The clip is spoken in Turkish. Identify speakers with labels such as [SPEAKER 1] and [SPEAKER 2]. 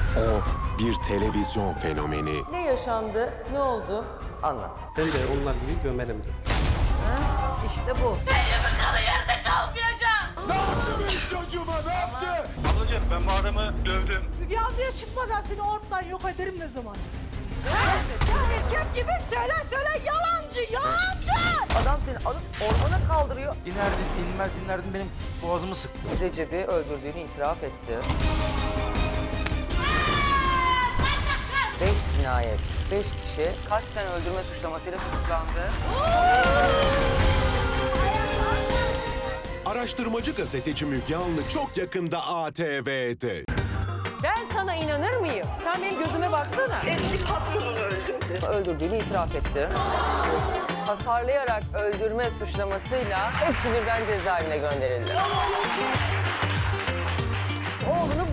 [SPEAKER 1] O bir televizyon fenomeni.
[SPEAKER 2] Ne yaşandı? Ne oldu? Anlat.
[SPEAKER 3] Ben de onlar gibi gömerim dedi.
[SPEAKER 4] İşte bu.
[SPEAKER 5] Ablacığım ben bu adamı dövdüm.
[SPEAKER 4] Yanlıya çıkmadan seni ortadan yok ederim ne zaman? Ya erkek gibi söyle yalancı.
[SPEAKER 2] Adam seni alıp ormana kaldırıyor.
[SPEAKER 5] İnerdin benim boğazımı sık.
[SPEAKER 2] Recep'i öldürdüğünü itiraf etti. 5 cinayet, 5 kişi kasten öldürme suçlamasıyla tutuklandı.
[SPEAKER 1] Araştırmacı gazeteci Müge Anlı çok yakında ATV'de.
[SPEAKER 2] Ben sana inanır mıyım? Sen benim gözüme baksana. Eski patronunu öldürdü. Öldürdüğünü itiraf etti. Hasarlayarak öldürme suçlamasıyla hepsi birden cezaevine gönderildi. Oğlunu